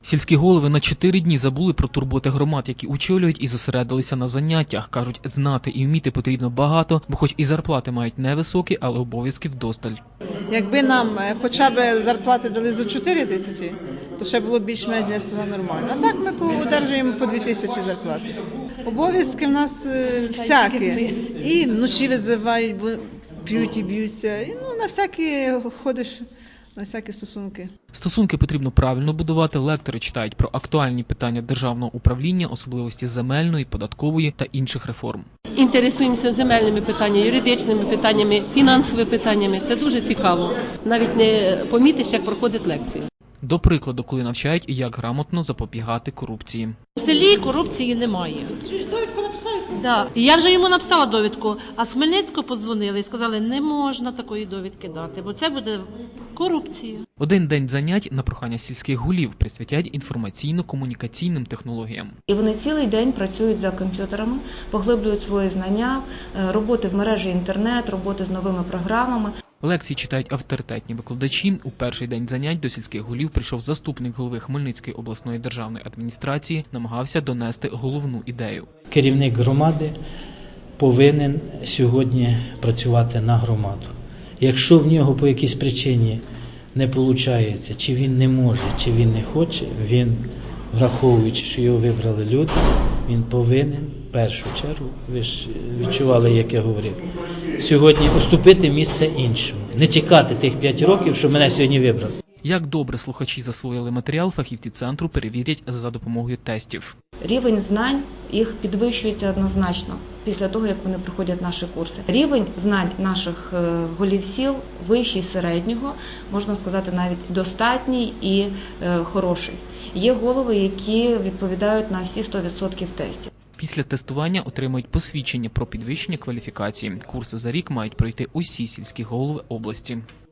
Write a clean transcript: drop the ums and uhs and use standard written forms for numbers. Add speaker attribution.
Speaker 1: Сільські голови на 4 дні забули про турботи громад, які очолюють, і зосередилися на заняттях. Кажуть, знати і вміти потрібно багато, бо хоч і зарплати мають невисокі, але обов'язків вдосталь.
Speaker 2: Якби нам хоча б зарплати дали за 4 тисячі, то ще було більш-менш для села нормально. А так ми одержуємо по 2 тисячі зарплати. Обов'язки в нас всякі. І вночі визивають, бо п'ють і б'ються. І, на всякі ходиш, на всякі стосунки.
Speaker 1: Стосунки потрібно правильно будувати. Лектори читають про актуальні питання державного управління, особливості земельної, податкової та інших реформ.
Speaker 3: Інтересуємося земельними питаннями, юридичними питаннями, фінансовими питаннями. Це дуже цікаво. Навіть не помітиш, як проходить лекція.
Speaker 1: До прикладу, коли навчають, як грамотно запобігати корупції.
Speaker 4: У селі корупції немає.
Speaker 2: Довідку написали?
Speaker 4: Да. І я вже йому написала довідку, а з Хмельницького подзвонили і сказали, не можна такої довідки дати, бо це буде корупція.
Speaker 1: Один день занять на прохання сільських голів присвятять інформаційно-комунікаційним технологіям.
Speaker 5: І вони цілий день працюють за комп'ютерами, поглиблюють свої знання, роботи в мережі інтернет, роботи з новими програмами.
Speaker 1: Лекції читають авторитетні викладачі. У перший день занять до сільських голів прийшов заступник голови Хмельницької обласної державної адміністрації, намагався донести головну ідею.
Speaker 6: Керівник громади повинен сьогодні працювати на громаду. Якщо в нього по якійсь причині не виходить, чи він не може, чи він не хоче, він, враховуючи, що його вибрали люди, він повинен в першу чергу, ви ж відчували, як я говорив, сьогодні уступити місце іншому. Не чекати тих 5 років, що мене сьогодні вибрали.
Speaker 1: Як добре слухачі засвоїли матеріал, фахівці центру перевірять за допомогою тестів.
Speaker 5: Рівень знань їх підвищується однозначно після того, як вони проходять наші курси. Рівень знань наших голів сіл вищий середнього, можна сказати, навіть достатній і хороший. Є голови, які відповідають на всі 100% тестів.
Speaker 1: Після тестування отримують посвідчення про підвищення кваліфікації. Курси за рік мають пройти усі сільські голови області.